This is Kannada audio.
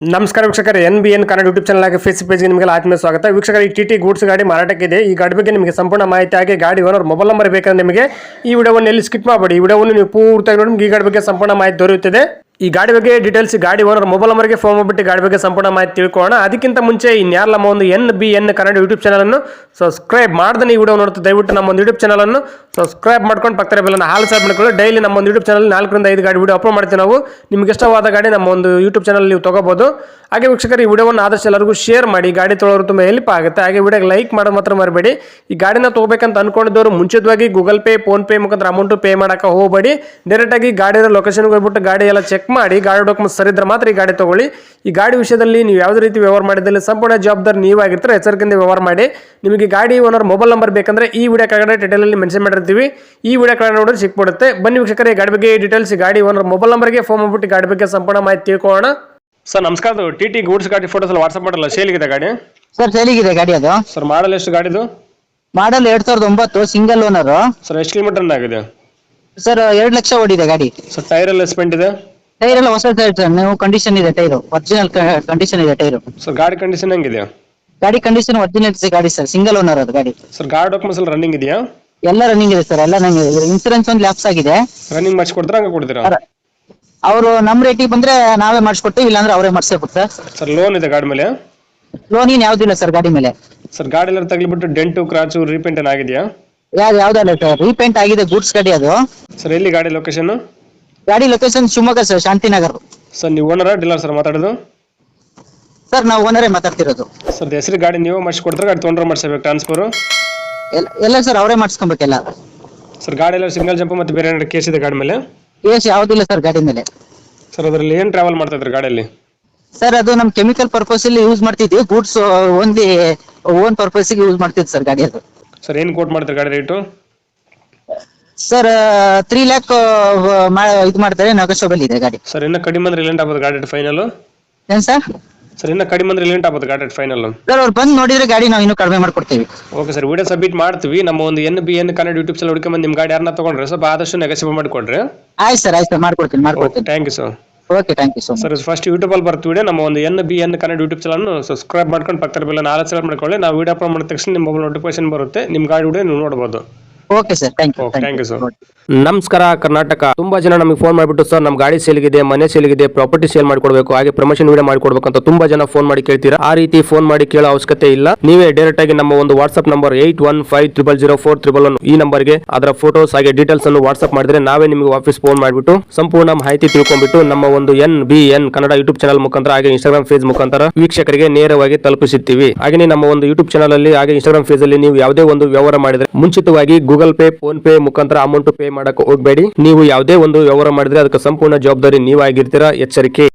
ನಮಸ್ಕಾರ ವೀಕ್ಷಕರೇ, NBN ಕನ್ನಡ ಯೂಟ್ಯೂಬ್ ಚಾನಲ್ ಆಗಿ ಫೇಸ್ಬುಕ್ ಪೇಜ್ಗೆ ನಿಮಗೆ ಆತ್ಮೀಯ ಸ್ವಾಗತ. ವೀಕ್ಷಕರೇ, ಈ TT ಗೂಡ್ಸ್ ಗಾಡಿ ಮಾರಾಟಕ್ಕಿದೆ. ಈ ಗಾಡಿ ಬಗ್ಗೆ ನಿಮಗೆ ಸಂಪೂರ್ಣ ಮಾಹಿತಿ ಹಾಗೆ ಗಾಡಿ ಓನರ್ ಮೊಬೈಲ್ ನಂಬರ್ ಬೇಕಂದ್ರೆ ನಿಮಗೆ ಈ ವಿಡಿಯೋವನ್ನು ಎಲ್ಲಿ ಸ್ಕಿಪ್ ಮಾಡಬೇಡಿ. ಈ ವಿಡಿಯೋವನ್ನು ನೀವು ಪೂರ್ತಿಯಾಗಿ ನೋಡಿ, ಈ ಗಾಡಿ ಬಗ್ಗೆ ಸಂಪೂರ್ಣ ಮಾಹಿತಿ ದೊರೆಯುತ್ತದೆ. ಈ ಗಾಡಿ ಬಗ್ಗೆ ಡೀಟೇಲ್ಸ್ ಗಾಡಿ ಓನರ್ ಮೊಬೈಲ್ ನಂಬರ್ಗೆ ಫೋನ್ ಮಾಡಿಬಿಟ್ಟು ಗಾಡಿ ಬಗ್ಗೆ ಸಂಪೂರ್ಣ ಮಾಹಿತಿ ತಿಳ್ಕೊಳ್ಳೋಣ. ಅದಕ್ಕಿಂತ ಮುಂಚೆ ಇನ್ಯಾರು ನಮ್ಮ ಒಂದು NBN ಕನ್ನಡ ಯೂಟ್ಯೂಬ್ ಚಾನಲನ್ನು ಸಬ್ಸ್ಕ್ರೈಬ್ ಮಾಡ್ದೆ ಈ ವಿಡಿಯೋ ನೋಡ್ತಾ ದಯವಿಟ್ಟು ನಮ್ಮ ಒಂದು ಯೂಟ್ಯೂಬ್ ಚಾನಲನ್ನು ಸಬ್ಸ್ಕ್ರೈಬ್ ಮಾಡ್ಕೊಂಡು ಪಕ್ಕದ ಬೆಲ್ಲನ್ನು ಹಾಲ್ ಸಬ್ ಮಾಡ್ಕೊಳ್ಳಿ. ಡೈಲಿ ನಮ್ಮ ಒಂದು ಯೂಟ್ಯೂಬ್ ಚಾನಲ್ 4 ರಿಂದ 5 ಗಾಡಿ ವಿಡಿಯೋ ಅಪ್ಲೋಡ್ ಮಾಡ್ತೀವಿ ನಾವು. ನಿಮ್ಗೆ ಇಷ್ಟವಾದ ಗಾಡಿ ನಮ್ಮ ಒಂದು ಯೂಟ್ಯೂಬ್ ಚಾನಲ್ ನೀವು ತಗೋಬಹುದು. ಹಾಗೆ ವೀಕ್ಷಕರು, ಈ ವಿಡಿಯೋವನ್ನು ಆದಷ್ಟು ಎಲ್ಲರಿಗೂ ಶೇರ್ ಮಾಡಿ, ಗಾಡಿ ತೊಗೊಳೋರು ತುಂಬ ಹೆಲ್ಪ್ ಆಗುತ್ತೆ. ಹಾಗೆ ವಿಡಿಯೋಗೆ ಲೈಕ್ ಮಾಡೋದು ಮಾತ್ರ ಮರಿಬೇಡಿ. ಈ ಗಾಡಿನ ತೊಗೋಬೇಕಂತ ಅನ್ಕೊಂಡಿದ್ದವರು ಮುಂಚಿತವಾಗಿ ಗೂಗಲ್ ಪೇ, ಫೋನ್ ಪೇ ಮುಖಾಂತರ ಅಮೌಂಟ್ ಪೇ ಮಾಡೋಕೆ ಹೋಗಬೇಡಿ. ಡೈರೆಕ್ಟಾಗಿ ಗಾಡಿಯ ಲೊಕೇಶನ್ಗೆ ಹೋಗ್ಬಿಟ್ಟು ಗಾಡಿ ಎಲ್ಲ ಚೆಕ್ ಮಾಡಿ, ಗಾಡಿ ಡಾಕ್ಯುಮೆಂಟ್ಸ್ ಸರಿ ಇದ್ರೆ ಮಾತ್ರ ಈ ಗಾಡಿ ತಗೊಳ್ಳಿ. ಈ ಗಾಡಿ ವಿಷಯದಲ್ಲಿ ನೀವು ಯಾವುದೇ ರೀತಿ ವ್ಯವಹಾರ ಮಾಡಿದಲ್ಲಿ ಸಂಪೂರ್ಣ ಜವಾಬ್ದಾರಿ ನೀವಾಗಿರ್ತಾರೆ. ಎಚ್ಚರಿಕೆಯಿಂದ ವ್ಯವಹಾರ ಮಾಡಿ. ನಿಮಗೆ ಗಾಡಿ ಓನರ್ ಮೊಬೈಲ್ ನಂಬರ್ ಬೇಕಂದ್ರೆ ಈ ವಿಡಿಯೋ ಕೆಳಗಡೆ ಟೈಟಲಲ್ಲಿ ಮೆನ್ಷನ್ ಮಾಡಿರ್ತೀವಿ. ಈ ವಿಡಿಯೋ ಕೆಳಗಡೆ ನೋಡಿದ್ರೆ ಸಿಕ್ಬಿಡುತ್ತೆ. ಬನ್ನಿ ವೀಕ್ಷಕರೇ, ಗಾಡಿ ಬಗ್ಗೆ ಡೀಟೇಲ್ಸ್ ಗಾಡಿ ಓನರ್ ಮೊಬೈಲ್ ನಂಬರ್ಗೆ ಫೋನ್ ಮಾಡ್ಬಿಟ್ಟು ಗಾಡಿ ಬಗ್ಗೆ ಸಂಪೂರ್ಣ ಮಾಹಿತಿ ತಿಳ್ಕೊಳ್ಳೋಣ. ಸರ್ ನಮಸ್ಕಾರ, TT ಗೂಡ್ಸ್ ಗಾಡಿ ಫೋಟೋಸ್ ಎಲ್ಲ ವಾಟ್ಸ್ಆಪ್ ಮಾಡಲ್ಲ, ಸೇಲಿಗಿದೆ ಗಾಡಿ? ಸರ್ ಸೇಲಿಗಿದೆ ಗಾಡಿ. ಅದು ಸರ್ ಮಾಡಲ್ ಎಷ್ಟು ಗಾಡಿದು? Model 2009 single owner. ಸರ್ ಎಷ್ಟು ಕಿಲೋಮೀಟರ್ ಆಗಿದೆ? ಸರ್ 2 ಲಕ್ಷ ಓಡಿದೆ ಗಾಡಿ. ಸರ್ ಟೈರ್ ಎಲ್ಲ ಸ್ಪೆಂಟ್ ಇದೆ? ಟೈರ್ ಎಲ್ಲ ಹೊಸ ಟೈರ್ ಸರ್, ನೀವು ಕಂಡೀಷನ್ ಇದೆ. ಟೈರ್ ಒರಿಜಿನಲ್ ಕಂಡೀಷನ್ ಇದೆ ಟೈರ್. ಸರ್ ಗಾಡಿ ಕಂಡೀಷನ್ ಹೆಂಗಿದೆ? ಗಾಡಿ ಕಂಡೀಷನ್ ಒರಿಜಿನಲ್ ಗಾಡಿ ಸರ್, ಸಿಂಗಲ್ ಓನರ್ ಅದು ಗಾಡಿ. ಸರ್ ಗಾಡಿ ಡಾಕ್ಯುಮೆಂಟ್ಸ್ ಎಲ್ಲ ರನ್ನಿಂಗ್ ಇದೆಯಾ? ಎಲ್ಲ ರನ್ನಿಂಗ್ ಇದೆ ಸರ್, ಎಲ್ಲ ರನ್ನಿಂಗ್ ಇದೆ. ಇನ್ಸೂರೆನ್ಸ್ ಒಂದು ಲ್ಯಾಪ್ಸ್ ಆಗಿದೆ. ರನ್ನಿಂಗ್ ಮಾಡಿಸಿ ಕೊಡ್ತೀರಾ, ಹಂಗೆ ಕೊಡ್ತೀರಾ? ಅವರು ನಮ್ಮ ರೇಟಿಗೆ ಬಂದ್ರೆ ನಾವೇ ಮಾಡಿಸ್ಕೊಡ್ತೀವಿ, ಇಲ್ಲಾಂದ್ರೆ ಅವರೇ ಮಾಡಿಸ್ಕೊಡ್ತಾರೆ ಸರ್. ಸರ್ ಲೋನ್ ಇದೆ ಗಾಡಿ ಮೇಲೆ? ಲೋನ್ ಏನು ಯಾವುದಿಲ್ಲ ಸರ್ ಗಾಡಿ ಮೇಲೆ. ಸರ್ ಗಾಡಿ ಎಲ್ಲ ತಗ್ಲಿಬಿಟ್ಟು ಡೆಂಟು ಕ್ರಾಚು ರೀಪೇಂಟ್ ಏನಾಗಿದೆಯಾ? ಯಾವ್ದಲ್ಲ ಸರ್, ರೀಪೇಂಟ್ ಆಗಿದೆ. ಗೂಡ್ಸ್ ಗಾಡಿ ಅದು. ಸರ್ ಎಲ್ಲಿ ಗಾಡಿ ಲೊಕೇಶನ್? ಗಾಡಿ location Shivamogga sir, Shantinagar. Sir ನೀವು ಓನರ ಡೀಲರ್ ಸರ್ ಮಾತಾಡೋದು? ಸರ್ ನಾವು ಓನರೇ ಮಾತಾಡ್ತಿರೋದು. ಸರ್ ಹೆಸರು ಗಾಡಿ ನೀವು ಮಾಡಿಸ್ಕೊಡ್ತಾರೆ, ಗಾಡಿ ತೊಗೊಂಡ್ರೆ ಮಾಡಿಸ್ಬೇಕು ಟ್ರಾನ್ಸ್ಫರು? ಎಲ್ಲ ಸರ್ ಅವರೇ ಮಾಡಿಸ್ಕೊಬೇಕೆಲ್ಲ. ಸರ್ ಗಾಡಿ ಎಲ್ಲ ಸಿಂಗಲ್ ಜಂಪ್ ಮತ್ತು ಬೇರೆ ಏನಾದ್ರು ಕೇಸ್ ಇದೆ ಗಾಡಿ ಮೇಲೆ? ಕೇಸ್ ಯಾವುದಿಲ್ಲ ಸರ್ ಗಾಡಿ ಮೇಲೆ. ಸರ್ ಅದರಲ್ಲಿ ಏನು ಟ್ರಾವೆಲ್ ಮಾಡ್ತಾ ಇದ್ರಿ ಗಾಡಿಯಲ್ಲಿ? ಸರ್ ಅದು ನಮ್ಮ ಕೆಮಿಕಲ್ ಪರ್ಪಸ್ ಅಲ್ಲಿ ಯೂಸ್ ಮಾಡ್ತಿದ್ವಿ. Goods only own purpose use ಮಾಡ್ತಿದ್ವಿ ಸರ್ ಗಾಡಿ ಅದು. ಸರ್ ಏನು ಕೋಟ್ ಮಾಡ್ತಾರೆ ಗಾಡಿ ರೇಟು? ಸರ್ 3 ಲ್ಯಾಕ್ ಇದು ಮಾಡ್ತಾರೆ, ನೆಗೋಷಿಯಬಲ್ ಇದೆ ಗಾಡಿ. ಸರ್ ಇನ್ನು ಕಡಿಮೆ ಅಂದ್ರೆ ರಿಲೆಂಟ್ ಆಗ್ಬೋದು ಗಾಡಿ ಫೈನಲ್? ಏನ್ ಸರ್? ಸರ್ ಇನ್ನು ಕಡಿಮೆ ಅಂದ್ರೆ ರಿಲೆಂಟ್ ಆಗ್ಬೋದು ಗಾಡಿ ಫೈನಲ್? ಸರ್ ಅವ್ರು ಬಂದು ನೋಡಿದ್ರೆ ಗಾಡಿ ನಾವು ಇನ್ನೂ ಕಡಿಮೆ ಮಾಡ್ಕೊಡ್ತೀವಿ. ಓಕೆ ಸರ್, ವಿಡಿಯೋ ಸಬ್ಮಿಟ್ ಮಾಡ್ತೀವಿ. ನಮ್ಮ ಒಂದು NBN ಕನ್ನಡ ಯೂಟ್ಯೂಬ್ ಚಾನಲ್ ಹುಡುಕೊಂಡ್ಬಂದು ನಿಮ್ಮ ಗಾಡಿ ಯಾರನ್ನ ತೊಗೊಂಡ್ರೆ ಸ್ವಲ್ಪ ಆದಷ್ಟು ನೆಗೋಷಿಯೇಟ್ ಮಾಡಿಕೊಡ್ರಿ. ಆಯ್ತು ಸರ್, ಆಯ್ತು ಸರ್, ಮಾಡ್ಕೊಡ್ತೀನಿ. Thank you sir. Okay, thank you so much. Sir first ಯೂಟ್ಯೂಬಲ್ಲಿ ಬರ್ತೀವಿ, ನಮ್ಮ ಒಂದು NBN Kannada YouTube channel subscribe ಮಾಡ್ಕೊಂಡು ಪಕ್ಕದ ಬೆಲ್ಲ ನಾಲ್ಕು ಸಲ ಮಾಡ್ಕೊಳ್ಳಿ. ನಾವು ವಿಡಿಯೋ ಅಪ್ಲೋಡ್ ಮಾಡಿದ ತಕ್ಷಣ ನಿಮ್ಮ ಮೊಬೈಲ್ ನೋಟಿಫಿಕೇಶನ್ ಬರುತ್ತೆ, ನಿಮ್ಮ ಗಾಡಿ ವಿಡಿಯೋ ನೀವು ನೋಡ್ಬೋದು. Okay sir, thank you sir. ನಮಸ್ಕಾರ ಕರ್ನಾಟಕ. ತುಂಬಾ ಜನ ನಮಗೆ ಫೋನ್ ಮಾಡಿಬಿಟ್ಟು ಸರ್ ನಮ್ಮ ಗಾಡಿ ಸೇಲ್ಗಿದೆ, ಮನೆ ಸೇಲ್ಗಿದೆ, ಪ್ರಾಪರ್ಟಿ ಸೇಲ್ ಮಾಡ್ಕೊಡ್ಬೇಕು, ಹಾಗೆ ಪ್ರಮೋಷನ್ ವಿಡಿಯೋ ಮಾಡ್ಕೊಡ್ಬೇಕು ಅಂತ ತುಂಬಾ ಜನ ಫೋನ್ ಮಾಡಿ ಕೇಳ್ತೀರಾ. ಆ ರೀತಿ ಫೋನ್ ಮಾಡಿ ಕೇಳೋ ಅವಶ್ಯಕತೆ ಇಲ್ಲ. ನೀವೇ ಡೈರೆಕ್ಟ್ ಆಗಿ ನಮ್ಮ ಒಂದು ವಾಟ್ಸ್ಆಪ್ ನಂಬರ್ 81500411 ಈ ನಂಬರ್ಗೆ ಅದರ ಫೋಟೋಸ್ ಹಾಗೆ ಡೀಟೇಲ್ಸ್ ಅನ್ನು ವಾಟ್ಸ್ಆಪ್ ಮಾಡಿದ್ರೆ ನಾವೇ ನಿಮಗೆ ವಾಪಸ್ ಫೋನ್ ಮಾಡಿಬಿಟ್ಟು ಸಂಪೂರ್ಣ ಮಾಹಿತಿ ತಿಳ್ಕೊಂಡ್ಬಿಟ್ಟು ನಮ್ಮ ಒಂದು NBN ಕನ್ನಡ ಯೂಟ್ಯೂಬ್ ಚಾನಲ್ ಮುಖಾಂತರ ಹಾಗೆ ಇನ್ಸ್ಟಾಗ್ರಾಮ್ ಪೇಜ್ ಮುಖಾಂತರ ವೀಕ್ಷಕರಿಗೆ ನೇರವಾಗಿ ತಲುಪಿಸುತ್ತೀವಿ. ಹಾಗೆ ನಮ್ಮ ಒಂದು ಯೂಟ್ಯೂಬ್ ಚಾನಲ್ ಅಲ್ಲಿ ಹಾಗೆ ಇನ್ಸ್ಟಾಗ್ರಾಮ್ ಪೇಜ್ ಅಲ್ಲಿ ನೀವು ಯಾವುದೇ ಒಂದು ವ್ಯವಹಾರ ಮಾಡಿದ್ರೆ ಮುಂಚಿತವಾಗಿ ಗೂಗಲ್ ಪೇ, ಫೋನ್ ಪೇ ಮುಖಾಂತರ ಅಮೌಂಟ್ ಪೇ ಮಾಡಕ್ಕೆ ಹೋಗಬೇಡಿ. ನೀವು ಯಾವುದೇ ಒಂದು ವ್ಯವಹಾರ ಮಾಡಿದ್ರೆ ಅದಕ್ಕೆ ಸಂಪೂರ್ಣ ಜವಾಬ್ದಾರಿ ನೀವಾಗಿರ್ತೀರಾ. ಎಚ್ಚರಿಕೆ.